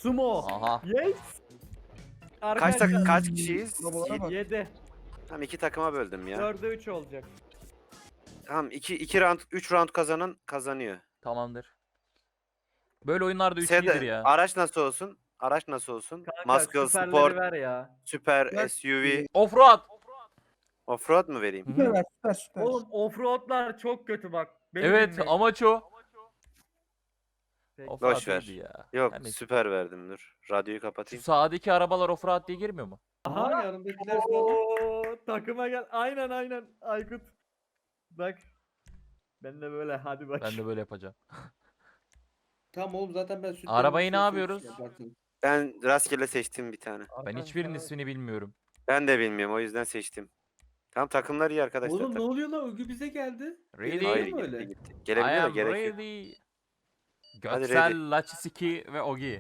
Sumo. Aha. Yes. Kaç kişiyiz? 7. Tamam 2 takıma böldüm ya. 4'e 3 olacak. Tamam 2 round 3 round kazanan kazanıyor. Tamamdır. Böyle oyunlarda 3 Sede, iyidir ya. araç nasıl olsun? Araç nasıl olsun? Kanka Muscle, süperleri Sport, ver ya. Süper, SUV, Offroad. Offroad mu vereyim? Süper ver, süper süper. Oğlum offroadlar çok kötü bak. Beni Evet dinleyin. amaç o. Peki. Offroad Boş ver. iyiydi ya. Yok Her neyse. süper verdim dur. Radyoyu Şu kapatayım. sağdaki arabalar offroad diye girmiyor mu? Aha yanındakiler falan. Oo, takıma gel. Aynen Aykut. Bak. Ben de böyle hadi bak. Ben de böyle yapacağım. Tamam oğlum zaten ben sütten Arabayı ne şey yapıyoruz? yaparsın. Ben rastgele seçtim bir tane. Ben hiçbirinin ismini bilmiyorum. Ben de bilmiyorum o yüzden seçtim. Tamam takımlar iyi arkadaşlar. Oğlum ne oluyor lan? Ögü bize geldi. Really? Hayır Değil mi gitti öyle? gitti. I Gelebilir de am gerek yok. ready. Hadi Göksel, ready. Lachisiki ve Ogi.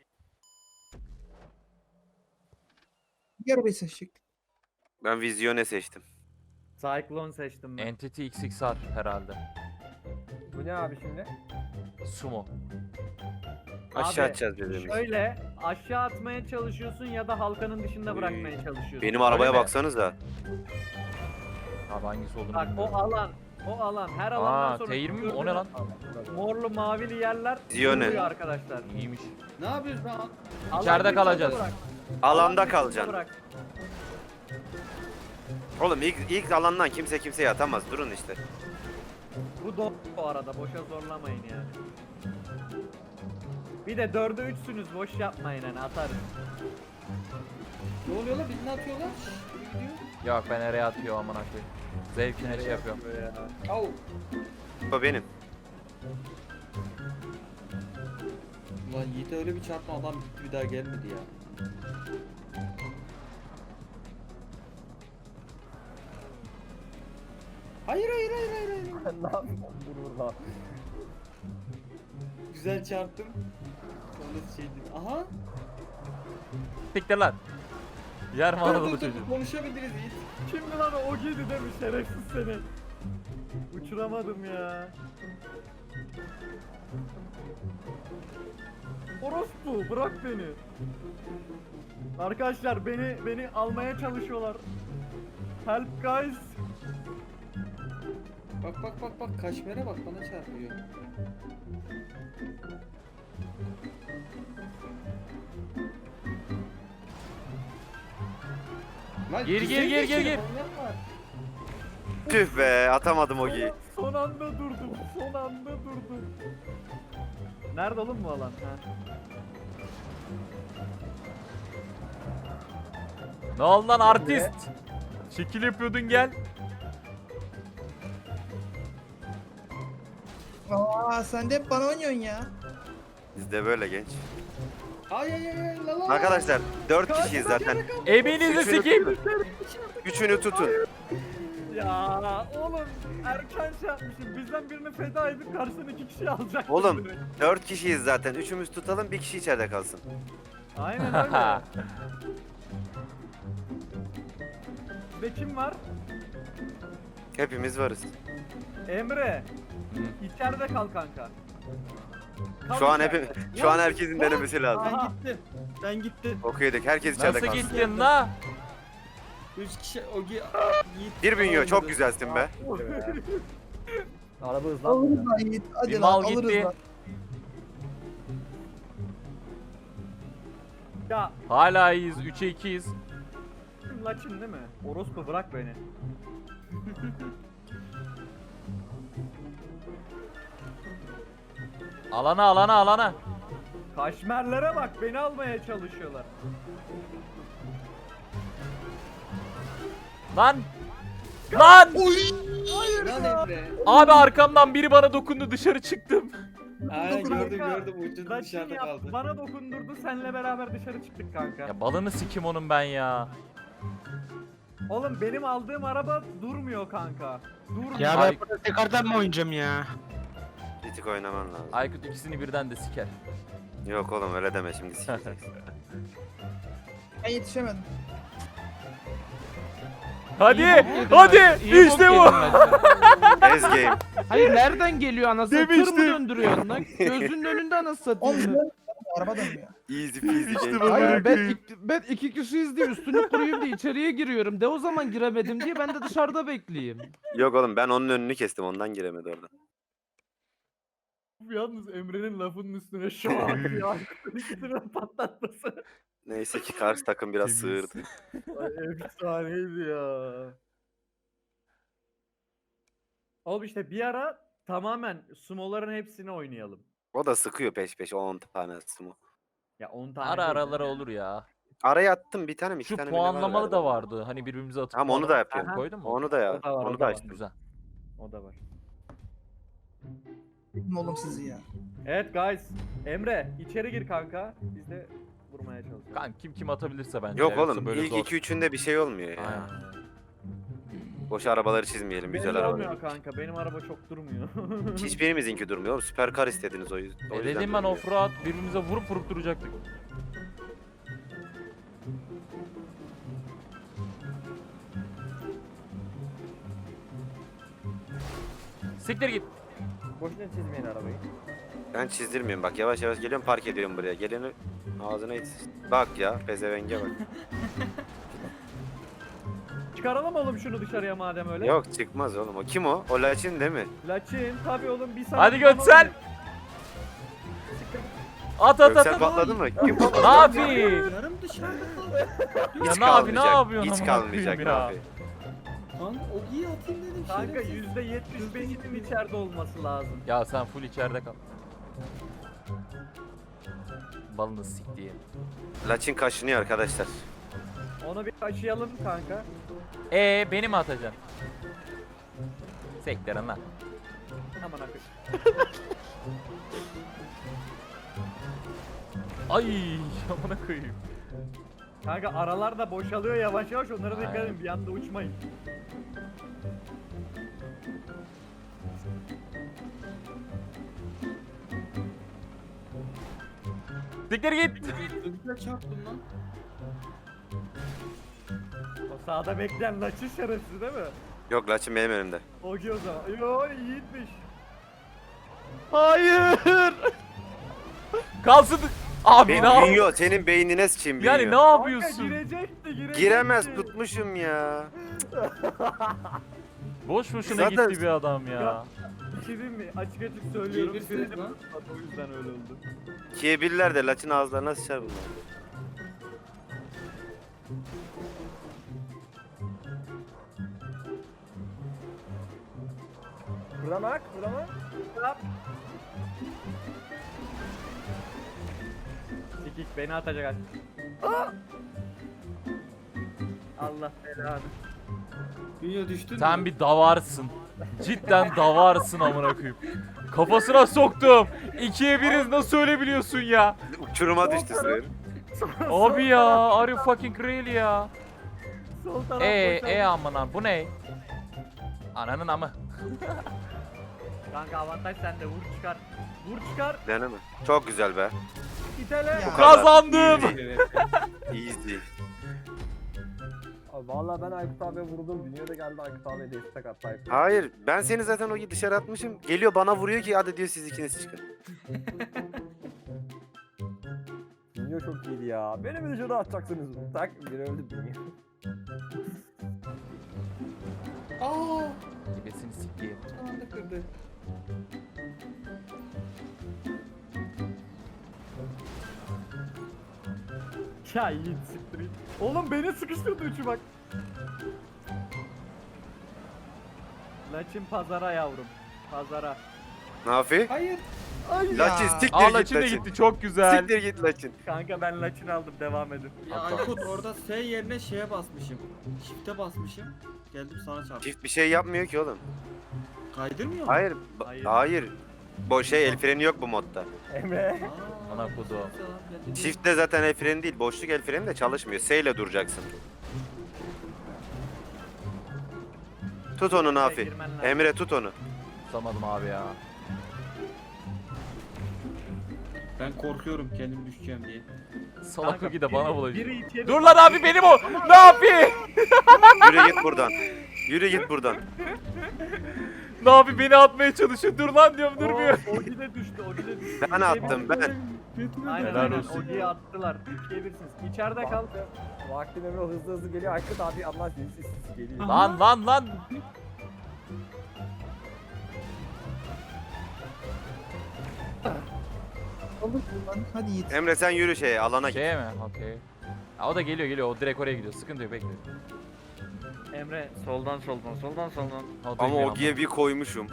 Bir arabayı seçecek. Ben Vizyone seçtim. Cyclone seçtim ben. Entity XXR herhalde. Bu ne abi şimdi? Sumo. Aşağı Abi, atacağız birbirimizi. Şöyle aşağı atmaya çalışıyorsun ya da halkanın dışında bırakmaya çalışıyorsun. Benim arabaya mi? baksanıza. Abi hangisi olduğunu Bak bilmiyorum. o alan her alandan Aa, sonra T20 mi? O ne lan? morlu mavili yerler Ziyone. duruyor arkadaşlar. İyiymiş. Ne yapıyoruz lan? İçeride Alan kalacağız. dışında bırak. Alanda Alan dışında kalacaksın. bırak. Oğlum ilk alandan kimse kimseye atamaz. Durun işte. Bu arada boşa zorlamayın yani. Bir de 4'e 3'sünüz boş yapmayın hani atarız. Ne oluyor lan? Birini atıyorlar. Biri gidiyor. Yok ben nereye atıyor aman koyayım. Zevkine şey yapıyorum. Au. O benim. Ulan Yiğit'e öyle bir çarpma adam gitti bir daha gelmedi ya. Hayır. Ne yapayım? Vur lan. Güzel çarptım. Sonra şey diyeyim. Aha. Siktir lan. Yer mi Dur, Anadolu dur, dur, çocuğu? konuşabiliriz Yiğit. Kimdi lan o giydi demiş şerefsiz seni. Uçuramadım ya. Orospu bırak beni. Arkadaşlar beni almaya çalışıyorlar. Help guys. Bak kaşmere bak bana çarpıyor. Lan Gir, güzel gir. geçiyor, manyak var. Tüh be atamadım o giyi. Son anda durdum. Son anda durdum. Nerede oğlum bu alan? Ha. Ne oldu lan artist? Şekil yapıyordun gel. Aa sen de hep bana oynuyorsun ya. Biz de böyle genç. Ay la la. Arkadaşlar 4 kişiyiz zaten. Eminizi Üçünü sikeyim. tutun. Üçünü tutun. Ya oğlum erken şey yapmışım. Bizden birini feda edip karşısına 2 kişi alacak. Oğlum 4 kişiyiz zaten. Üçümüz tutalım bir kişi içeride kalsın. Aynen öyle. Ve kim var? Hepimiz varız. Emre. İçeride kal kanka. Kal Şu an içeride. şu an herkesin denemesi lazım. Aha. Ben gittim. Okuyorduk. Herkes içeride Nasıl kalsın. gittin la? 3 kişi Ogi Yiğit. Bir bünyo falan çok dedi. güzelsin be. Araba hızlanmıyor. Alırız lan Yiğit. Bir Hadi lan mal alırız gitti. lan. Ya Hala iyiyiz. 3'e 2'yiz. Laçin değil mi? Orospu bırak beni. Alana. Kaşmerlere bak beni almaya çalışıyorlar. Lan. Lan. Lan Emre. Abi arkamdan biri bana dokundu dışarı çıktım. Aynen gördüm Kanka, ucunda Laçin dışarıda yaptı, kaldı. bana dokundurdu senle beraber dışarı çıktık kanka. Ya balını sikim onun ben ya. Oğlum benim aldığım araba durmuyor kanka. Durmuyor. Ya Ay- ben burada tekrardan mı oynayacağım ya? Ritik oynaman lazım. Aykut ikisini birden de siker. Yok oğlum öyle deme şimdi sikeceksin. Ben yetişemedim. Hadi. İyi bok yedim Hadi. ben. İyi İşte bok bu. yedim ben. Ez game. Hayır nereden geliyor anasını? Tır mı Demiştim. döndürüyorsun lan? Gözünün önünde anasını Oğlum satıyorsun. Araba dönmüyor. Easy peasy. İşte genç. bu. Hayır ben iki kişiyiz diye üstünü kuruyum diye içeriye giriyorum. De o zaman giremedim diye ben de dışarıda bekleyeyim. Yok oğlum ben onun önünü kestim ondan giremedi orada. Yalnız Emre'nin lafının üstüne şak diye Aykut'un ikisini patlatması. Neyse ki karşı takım biraz Temiz. sığırdı. Ay efsaneydi ya. Oğlum işte bir ara tamamen sumoların hepsini oynayalım. O da sıkıyor peş peşe 10 tane sumo. Ya 10 tane Ara değil de aralara yani. olur ya. Araya attım bir tane mi iki Şu tane mi ne var puanlamalı da galiba. vardı. Hani birbirimize atıp Tamam onu da puanlama yapıyorum. Aha. koydun mu? Onu da ya. O da var, o Onu da da var. açtım. Güzel. O da var. Kim oğlum sizi ya? Evet guys. Emre içeri gir kanka. Biz de vurmaya çalışıyoruz. Kanka kim atabilirse bence. Yok ya, yoksa oğlum böyle ilk zor. 2-3'ünde bir şey olmuyor ya. Aynen. Boş arabaları çizmeyelim Benim güzel de arabaları. olmuyor kanka. Benim araba çok durmuyor. Hiçbirimizinki durmuyor oğlum. Süperkar istediniz o yüzden. o yüzden Dedim ben durmuyor. offroad birbirimize vurup vurup duracaktık. Siktir git. Boşuna çizmeyin arabayı. Ben çizdirmiyorum bak yavaş yavaş geliyorum park ediyorum buraya. Geleni ağzına it. Bak ya pezevenge bak. Çıkaralım oğlum şunu dışarıya madem öyle. Yok çıkmaz oğlum o. Kim o? O Laçin değil mi? Laçin tabii oğlum bir saniye. Hadi Göksel. At at at. Göksel at. patladı mı? Kim Ne patladı? yapayım? Yarım dışarıda. Ya Hiç ne abi ne kalmayacak, yapıyorsun? Hiç amına kalmayacak koyayım ya? abi. Kanka o iyi atayım dedim. Kanka şerefsiz. %75'inin içeride olması lazım. Ya sen full içeride kal. Balını siktiğim. Laçin kaşınıyor arkadaşlar. Onu bir aşıyalım kanka. Beni mi atacaksın? Sektirin lan. Aman akı. Ay amına koyayım. Kanka aralar da boşalıyor yavaş yavaş onlara dikkat Aynen. edin bir anda uçmayın. Siktir git. Öbürüne çarptım lan. O sağda bekleyen Laçin şerefsiz değil mi? Yok Laçin benim önümde. Ogi o zaman. Yo yiğitmiş. Hayır. Kalsın. Abi ne yapıyorsun? Bünyo senin beynine sıçayım Bünyo. Yani ne Kanka yapıyorsun? girecekti. Giremez tutmuşum ya. Boş boşuna Zaten- gitti bir adam ya. Bir şey diyeyim mi? Açık açık söylüyorum. Girebilirsiniz Frenim lan. tutmadı, o yüzden öyle oldu. Kiyebirler de Laçin ağızlarına sıçar bunlar. Fırlamak, fırlamak. Sikik beni atacak aç. Aa! Allah belanı. Dünya düştün Sen mü? bir davarsın. Cidden davarsın amına koyayım. Kafasına soktum. 2'ye 1'iz nasıl öyle biliyorsun ya? Uçuruma düştü sığır. Abi ya, are you fucking real ya? Sol taraf boşaldı. amına bu ne? Ananın amı. Kanka avantaj sende vur çıkar. Vur çıkar. Deneme. Çok güzel be. İtele. Ya. Bu kadar. Kazandım. Easy. Abi vallahi ben Aykut abiye vurdum. Dünya da geldi Aykut abiye destek attı. Aykut. Hayır ben seni zaten o dışarı atmışım. Geliyor bana vuruyor ki hadi diyor siz ikiniz çıkın. Dünya çok iyiydi ya. Beni mi dışarı atacaksınız? Tak bir öldü Dünya. Aaa. Gebesini sikeyim. Son anda kırdı. Ya yiğit siktir. Oğlum beni sıkıştırdı üçü bak. Laçin pazara yavrum. Pazara. Nafi? Hayır. Ay Laçin Ya. siktir Aa git Laçin de Laçin. gitti çok güzel. Siktir git Laçin. Kanka ben Laçin aldım devam edin. Ya Aykut orada S yerine şeye basmışım. Shift'e basmışım. Geldim sana çarptım. Çift bir şey yapmıyor ki oğlum. Kaydırmıyor mu? Hayır. Hayır. Hayır. El freni yok bu modda. Emre. Aa, Ana kodu. Çiftte zaten el freni değil. Boşluk el freni de çalışmıyor. S ile duracaksın. Tut onu Nafi. girmen lazım. Emre tut onu. Tutamadım abi ya. Ben korkuyorum kendim düşeceğim diye. Salak Kanka, Ogi de bana biri bulaşıyor. içeri- Dur lan abi benim o. Ne yapayım? Yürü git buradan. Yürü git buradan. Ne yapayım beni atmaya çalışıyor. Dur lan diyorum durmuyor. Ogi de düştü. Ogi de düştü. Ben attım, ben. Aynen Helal aynen. olsun. Ogi'yi attılar. 2'ye 1'siniz. İçeride kal. Vaktim Emre hızlı hızlı geliyor. Aykut abi Allah siz geliyor. Lan lan lan. Olur lan. Hadi Yiğit. Emre sen yürü şeye alana git. Şey mi? Okey. Ha, o da geliyor. O direkt oraya gidiyor. Sıkıntı yok, bekle. Emre soldan. O Ama duymuyor Ogi'ye bir koymuşum.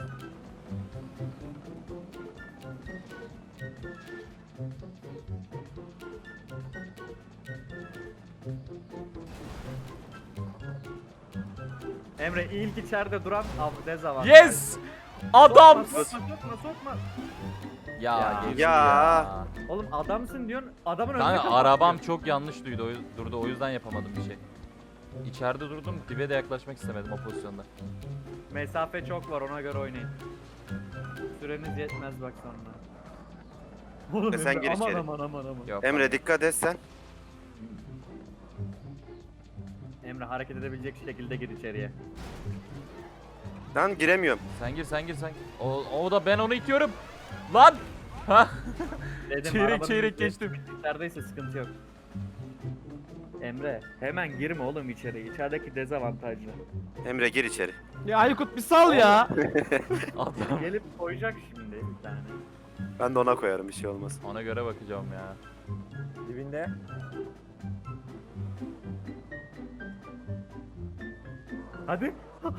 Emre ilk içeride duran dezavantaj. Yes! Adam! Sokma. Ya, Ya. geçti Ya. Oğlum adamsın diyorsun. Adamın önünde Kanka kapatıyor. arabam çok yanlış durdu, o yüzden yapamadım bir şey. İçeride durdum, dibe de yaklaşmak istemedim o pozisyonda. Mesafe çok var, ona göre oynayın. Süreniz yetmez bak sonra. Oğlum sen Emre, gir aman içeri. aman. Yok, Emre dikkat et sen. Emre hareket edebilecek şekilde gir içeriye. Lan giremiyorum. Sen gir. O da ben onu itiyorum. Lan! Ha? Dedim, Çeyrek arabanın çeyrek içi- geçtim. İçerideyse sıkıntı yok. Emre hemen girme oğlum içeri. İçerideki dezavantajlı. Emre gir içeri. Ya Aykut bir sal ya. Adam. Gelip koyacak şimdi bir tane. Ben de ona koyarım bir şey olmaz. Ona göre bakacağım ya. Dibinde. Hadi.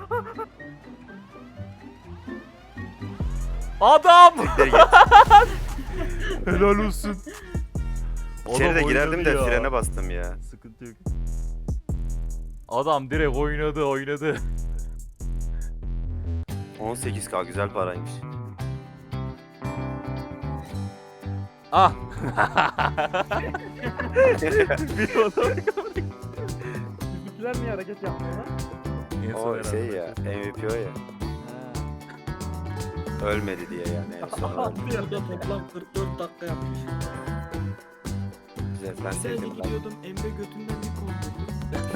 Adam! Siktir git. Helal olsun. İçeri de Adam girerdim de oynadı ya. frene bastım ya. Sıkıntı yok. Adam direkt oynadı. 18k güzel paraymış. Ah! Bir adam. Bizimkiler niye hareket yapmıyorlar? O şey ya, MVP o ya. Ölmedi diye yani en son. Burada toplam 44 dakika yapmış. Güzel, ben Sen sevdim. gidiyordum Emre götünden bir korkuttu.